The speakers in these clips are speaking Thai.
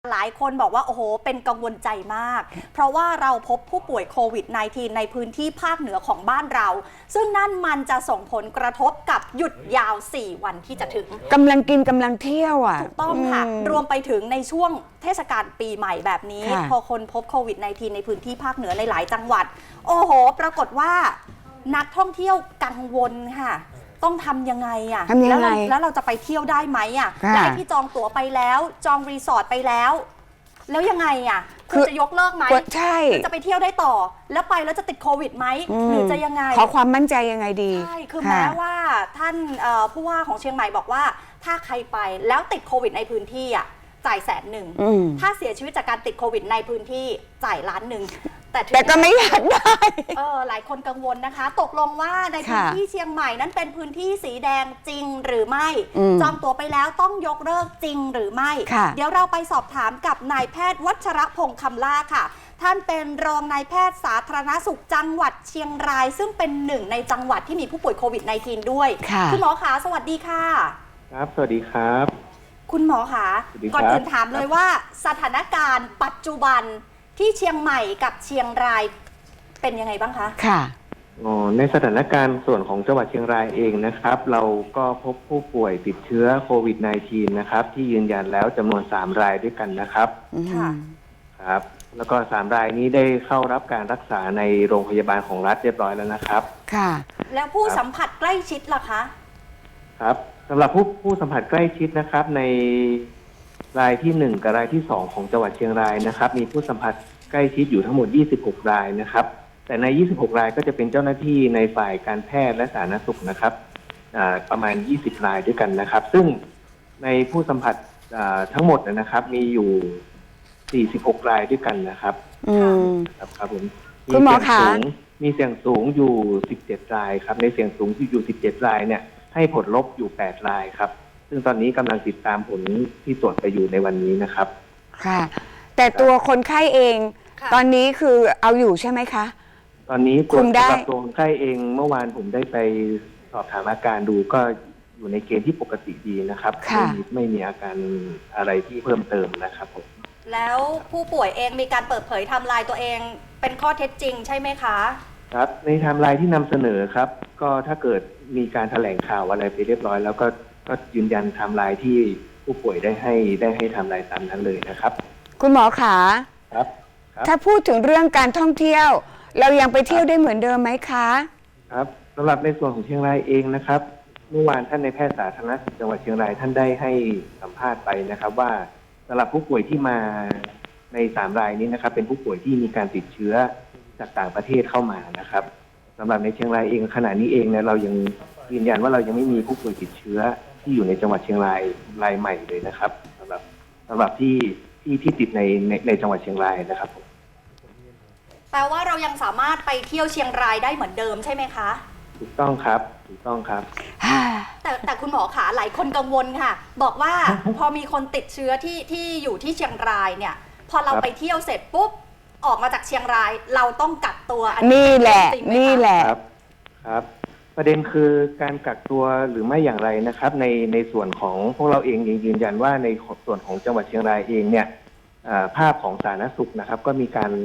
หลายคนบอกว่าโอ้โหเป็นกังวลใจมากเพราะว่าเราพบผู้ป่วยโควิด -19 ในพื้นที่ภาคเหนือของบ้านเราซึ่งนั่นมันจะส่งผลกระทบกับหยุดยาว4วันที่จะถึงกำลังกินกำลังเที่ยวอ่ะถูกต้องค่ะรวมไปถึงในช่วงเทศกาลปีใหม่แบบนี้พอคนพบโควิด -19 ในพื้นที่ภาคเหนือในหลายจังหวัดโอ้โหปรากฏว่านักท่องเที่ยวกังวลค่ะต้องทำยังไงอ่ะแล้วเราจะไปเที่ยวได้ไหมอ่ะและที่จองตั๋วไปแล้วจองรีสอร์ทไปแล้วยังไงอ่ะคือจะยกเลิกไหมใช่จะไปเที่ยวได้ต่อแล้วไปแล้วจะติดโควิดไหมหรือจะยังไงขอความมั่นใจยังไงดีใช่คือแม้ว่าท่านผู้ว่าของเชียงใหม่บอกว่าถ้าใครไปแล้วติดโควิดในพื้นที่อ่ะจ่าย100,000ถ้าเสียชีวิตจากการติดโควิดในพื้นที่จ่าย1,000,000 แต่ก็ไม่อยากได้หลายคนกังวลนะคะตกลงว่าในพื้นที่เชียงใหม่นั้นเป็นพื้นที่สีแดงจริงหรือไม่จองตั๋วไปแล้วต้องยกเลิกจริงหรือไม่เดี๋ยวเราไปสอบถามกับนายแพทย์วัชรพงษ์คำล่าค่ะท่านเป็นรองนายแพทย์สาธารณสุขจังหวัดเชียงรายซึ่งเป็นหนึ่งในจังหวัดที่มีผู้ป่วยโควิด -19 ด้วยคุณหมอขาสวัสดีค่ะครับสวัสดีครับคุณหมอขาก่อนอื่นถามเลยว่าสถานการณ์ปัจจุบันที่เชียงใหม่กับเชียงรายเป็นยังไงบ้างคะค่ะในสถานการณ์ส่วนของจังหวัดเชียงรายเองนะครับเราก็พบผู้ป่วยติดเชื้อโควิด -19 นะครับที่ยืนยันแล้วจำนวน3รายด้วยกันนะครับค่ะครับแล้วก็3รายนี้ได้เข้ารับการรักษาในโรงพยาบาลของรัฐเรียบร้อยแล้วนะครับค่ะแล้วผู้สัมผัสใกล้ชิดล่ะคะครับสำหรับผู้สัมผัสใกล้ชิดนะครับในรายที่1กับรายที่2ของจังหวัดเชียงรายนะครับมีผู้สัมผัสใกล้ชิดอยู่ทั้งหมด26รายนะครับแต่ใน26รายก็จะเป็นเจ้าหน้าที่ในฝ่ายการแพทย์และสาธารณสุขนะครับประมาณ20รายด้วยกันนะครับซึ่งในผู้สัมผัสทั้งหมดนะครับมีอยู่46รายด้วยกันนะครับครับผมคุณหมอคะมีเสี่ยงสูงอยู่17รายครับในเสี่ยงสูงอยู่17รายเนี่ยให้ผลลบอยู่8รายครับซึ่งตอนนี้กำลังติดตามผลที่ตรวจไปอยู่ในวันนี้นะครับค่ะแต่ตัวคนไข้เองตอนนี้คือเอาอยู่ใช่ไหมคะตอนนี้ตัวคนไข้เองเมื่อวานผมได้ไปสอบถามอาการดูก็อยู่ในเกณฑ์ที่ปกติดีนะครับไม่มีอาการอะไรที่เพิ่มเติมนะครับผมแล้วผู้ป่วยเองมีการเปิดเผยไทม์ไลน์ตัวเองเป็นข้อเท็จจริงใช่ไหมคะครับในไทม์ไลน์ที่นำเสนอครับก็ถ้าเกิดมีการแถลงข่าวอะไรไปเรียบร้อยแล้วก็ยืนยันไทม์ไลน์ที่ผู้ป่วยได้ให้ไทม์ไลน์ตามนั้นเลยนะครับคุณหมอขาครับถ้าพูดถึงเรื่องการท่องเที่ยวเรายังไปเที่ยวได้เหมือนเดิมไหมคะครับสำหรับในส่วนของเชียงรายเองนะครับเมื่อวานท่านในแพทย์สาธารณสุขจังหวัดเชียงรายท่านได้ให้สัมภาษณ์ไปนะครับว่าสำหรับผู้ป่วยที่มาใน3รายนี้นะครับเป็นผู้ป่วยที่มีการติดเชื้อจากต่างประเทศเข้ามานะครับสำหรับในเชียงรายเองขณะนี้เองเนี่ยเรายังยืนยันว่าเรายังไม่มีผู้ป่วยติดเชื้อที่อยู่ในจังหวัดเชียงรายรายใหม่เลยนะครับสำหรับที่ติดในจังหวัดเชียงรายนะครับแปลว่าเรายังสามารถไปเที่ยวเชียงรายได้เหมือนเดิมใช่ไหมคะถูกต้องครับถูกต้องครับแต่คุณหมอขาหลายคนกังวลค่ะบอกว่าพอมีคนติดเชื้อที่อยู่ที่เชียงรายเนี่ยพอเราไปเที่ยวเสร็จปุ๊บออกมาจากเชียงรายเราต้องกักตัวนี่แหละครับประเด็นคือการกักตัวหรือไม่อย่างไรนะครับในส่วนของพวกเราเองยืนยันว่าในส่วนของจังหวัดเชียงรายเองเนี่ยภาพของสาธารณสุขนะครับก็มีการ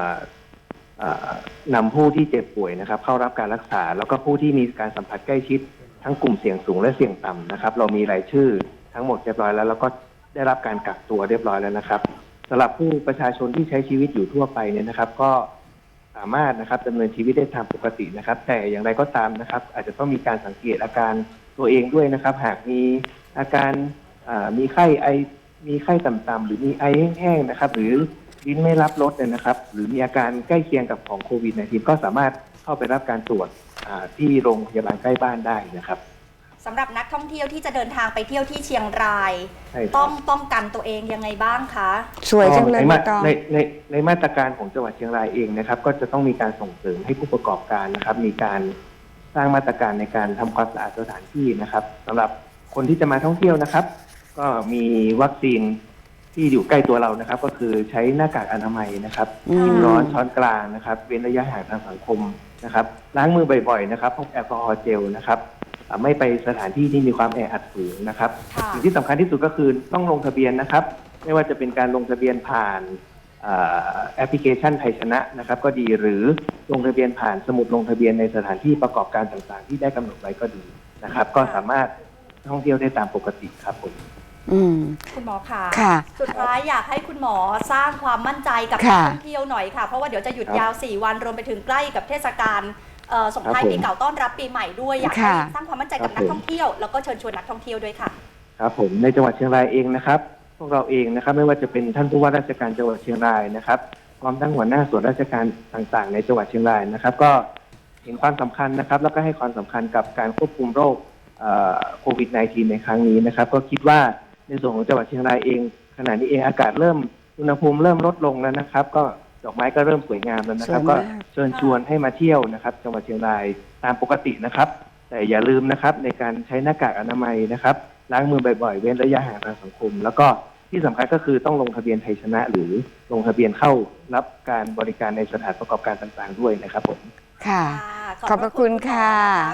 นำผู้ที่เจ็บป่วยนะครับเข้ารับการรักษาแล้วก็ผู้ที่มีการสัมผัสใกล้ชิดทั้งกลุ่มเสี่ยงสูงและเสี่ยงต่ำนะครับเรามีรายชื่อทั้งหมดเรียบร้อยแล้วก็ได้รับการกักตัวเรียบร้อยแล้วนะครับสำหรับผู้ประชาชนที่ใช้ชีวิตอยู่ทั่วไปเนี่ยนะครับก็สามารถนะครับดำเนินชีวิตได้ตามปกตินะครับแต่อย่างไรก็ตามนะครับอาจจะต้องมีการสังเกตอาการตัวเองด้วยนะครับหากมีอาการมีไข้ไอมีไข้ต่ำๆหรือมีไอแห้งๆนะครับหรือลิ้นไม่รับรสเนี่ยนะครับหรือมีอาการใกล้เคียงกับของโควิด -19 ก็สามารถเข้าไปรับการตรวจที่โรงพยาบาลใกล้บ้านได้นะครับสำหรับนักท่องเที่ยวที่จะเดินทางไปเที่ยวที่เชียงรายต้องป้องกันตัวเองยังไงบ้างคะสวยจังเลยในมาตรการของจังหวัดเชียงรายเองนะครับก็จะต้องมีการส่งเสริมให้ผู้ประกอบการนะครับมีการสร้างมาตรการในการทำความสะอาดสถานที่นะครับสำหรับคนที่จะมาท่องเที่ยวนะครับก็มีวัคซีนที่อยู่ใกล้ตัวเรานะครับก็คือใช้หน้ากากอนามัยนะครับกินร้อนช้อนกลางนะครับเว้นระยะห่างทางสังคมนะครับล้างมือบ่อยๆนะครับพกแอลกอฮอล์เจลนะครับไม่ไปสถานที่ที่มีความแออัดสูงนะครับสิ่งที่สำคัญที่สุดก็คือต้องลงทะเบียนนะครับไม่ว่าจะเป็นการลงทะเบียนผ่านแอปพลิเคชันไทยชนะนะครับก็ดีหรือลงทะเบียนผ่านสมุดลงทะเบียนในสถานที่ประกอบการต่างๆที่ได้กำหนดไว้ก็ดีนะครับก็สามารถท่องเที่ยวได้ตามปกติครับผมคุณหมอค่ะค่ะสุดท้ายอยากให้คุณหมอสร้างความมั่นใจกับนักค่ะท่องเที่ยวหน่อยค่ะเพราะว่าเดี๋ยวจะหยุดครับยาว4 วันรวมไปถึงใกล้กับเทศกาลส่งท้ายครับผมปีเก่าต้อนรับปีใหม่ด้วยอยากให้ค่ะสร้างความมั่นใจกับครันับกผมท่องเที่ยวแล้วก็เชิญชวนนักท่องเที่ยวด้วยค่ะครับผมในจังหวัดเชียงรายเองนะครับพวกเราเองนะครับไม่ว่าจะเป็นท่านผู้ว่าราชการจังหวัดเชียงรายนะครับพร้อมทั้งหัวหน้าส่วนราชการต่างๆ ในจังหวัดเชียงรายนะครับก็เห็นความสำคัญนะครับแล้วก็ให้ความสำคัญกับการควบคุมโรคโควิด -19 ในครั้งนี้นะครับก็คิดว่าในส่วนของจังหวัดเชียงรายเองขณะนี้เองอากาศเริ่มอุณหภูมิเริ่มลดลงแล้วนะครับ ก็ดอกไม้ก็เริ่มสวยงามแล้วนะครับสวยก็มากเชิญชวนให้มาเที่ยวนะครับจังหวัดเชียงรายตามปกตินะครับ แต่อย่าลืมนะครับในการใช้หน้ากากอนามัยนะครับล้างมือบ่อยๆเว้นระยะห่างทางสังคม แล้วก็ที่สำคัญก็คือต้องลงทะเบียนไทยชนะ หรือลงทะเบียนเข้ารับการบริการในสถานประกอบการต่างๆด้วยนะครับผมค่ะ ขอบพระคุณค่ะ